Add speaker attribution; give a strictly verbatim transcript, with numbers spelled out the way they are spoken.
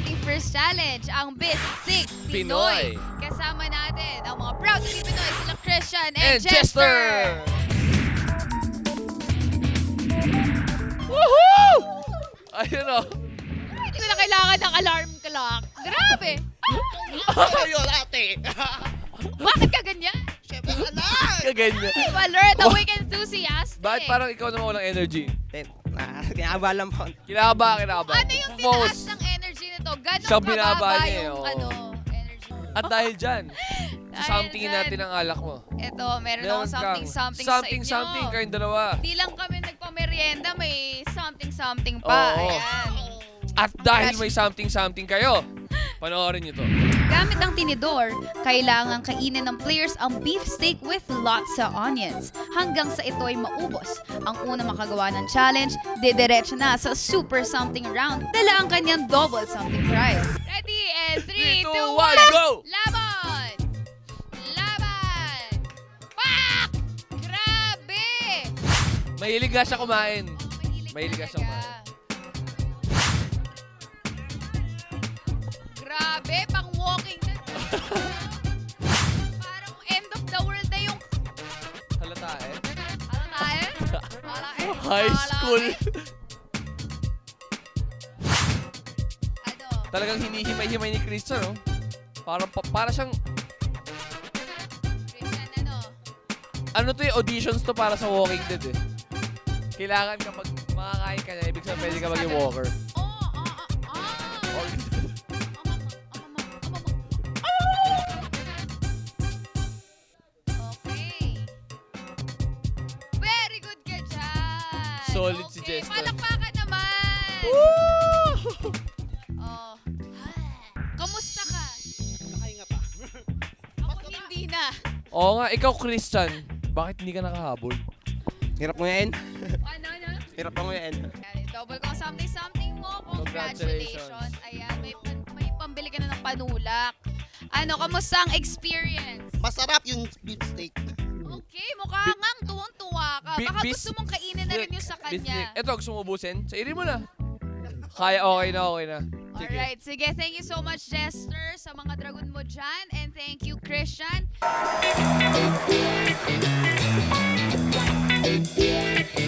Speaker 1: ating first challenge, ang Bistig Pinoy.
Speaker 2: Pinoy.
Speaker 1: Kasama natin ang mga proud to be Pinoy, sila Christian and,
Speaker 2: And
Speaker 1: Jester.
Speaker 2: Jester! Woohoo! Ayun o.
Speaker 1: Hindi ko na kailangan ng alarm clock. Grabe!
Speaker 3: Ayun, ate.
Speaker 1: Bakit ka ganyan?
Speaker 3: Siyempre, anak.
Speaker 2: Kaganyan.
Speaker 1: Alert, awake enthusiast.
Speaker 2: Bakit parang ikaw naman walang energy?
Speaker 3: Eh, na, kinakabalan po.
Speaker 2: Kinakaba, kinakaba.
Speaker 1: Ano yung tinaas ng energy nito? Ganon
Speaker 2: Siya binaba
Speaker 1: kababa
Speaker 2: niya eh,
Speaker 1: yung
Speaker 2: oo.
Speaker 1: ano, energy.
Speaker 2: At dahil dyan,
Speaker 1: Dahil
Speaker 2: somethingin
Speaker 1: dyan.
Speaker 2: natin ang alak mo.
Speaker 1: Ito, meron
Speaker 2: Meron
Speaker 1: akong something,
Speaker 2: kang
Speaker 1: something,
Speaker 2: something,
Speaker 1: sa inyo.
Speaker 2: something, kayong dalawa.
Speaker 1: Di lang kami nagpamerienda, may something, something pa.
Speaker 2: Oo.
Speaker 1: Ayan.
Speaker 2: At dahil may something, something kayo, panoorin nyo to.
Speaker 1: Gamit ang tinidor, kailangan kainin ng players ang beef steak with lots of onions hanggang sa ito ay maubos. Ang una makagawa ng challenge, didiretso na sa super something round. Dala ang kanyang double something prize. Ready? And three,
Speaker 2: Three, two,
Speaker 1: two,
Speaker 2: one,
Speaker 1: one,
Speaker 2: go!
Speaker 1: Laban! Laban! Pak! Grabe!
Speaker 2: Mahilig nga siya kumain.
Speaker 1: Oh,
Speaker 2: Mahilig ka
Speaker 1: talaga.
Speaker 2: siyang kumain.
Speaker 1: Grabe, pang walking na. Parang end of the world na yung...
Speaker 2: Halata eh.
Speaker 1: Parang tayo? Parang eh.
Speaker 2: High
Speaker 1: parang
Speaker 2: school.
Speaker 1: eh. Ano?
Speaker 2: Talagang hinihimay-himay ni Christian, no? Parang, pa, para siyang,
Speaker 1: Christian, ano?
Speaker 2: ano to yung auditions to para sa Walking Dead eh. Kailangan kapag makakain ka na, ibig sabihin pwede ka maging walker.
Speaker 1: Oh, ah, ah, ah.
Speaker 2: Walking Dead.
Speaker 1: Okay. Very good ka dyan.
Speaker 2: Solid si
Speaker 1: Okay,
Speaker 2: Jester.
Speaker 1: palakpakan naman.
Speaker 2: Woo!
Speaker 1: Oh. Kamusta ka?
Speaker 3: Nakahinga pa.
Speaker 1: Ako hindi na.
Speaker 2: Oo nga, ikaw Christian, bakit hindi ka nakahabol?
Speaker 3: Hirap mo yan.
Speaker 1: Ano, ano?
Speaker 3: Hirap mo yan.
Speaker 1: Yan, double ko something-something mo. Congratulations.
Speaker 2: Congratulations.
Speaker 1: Ayan, may, pan- may pambili ka na ng panulak. Ano, kamusta ang experience?
Speaker 3: Masarap yung beef steak.
Speaker 1: Okay, mukha ngang tuwang-tuwa ka.
Speaker 2: Bi-
Speaker 1: Baka
Speaker 2: bis-
Speaker 1: gusto mong kainin na rin yung sa kanya.
Speaker 2: Ito, gusto mo ubusin? Sa iri mo na. Kaya, okay na, okay na. Sige.
Speaker 1: Alright, sige. Thank you so much, Jester, sa mga dragon mo dyan. And thank you, Christian.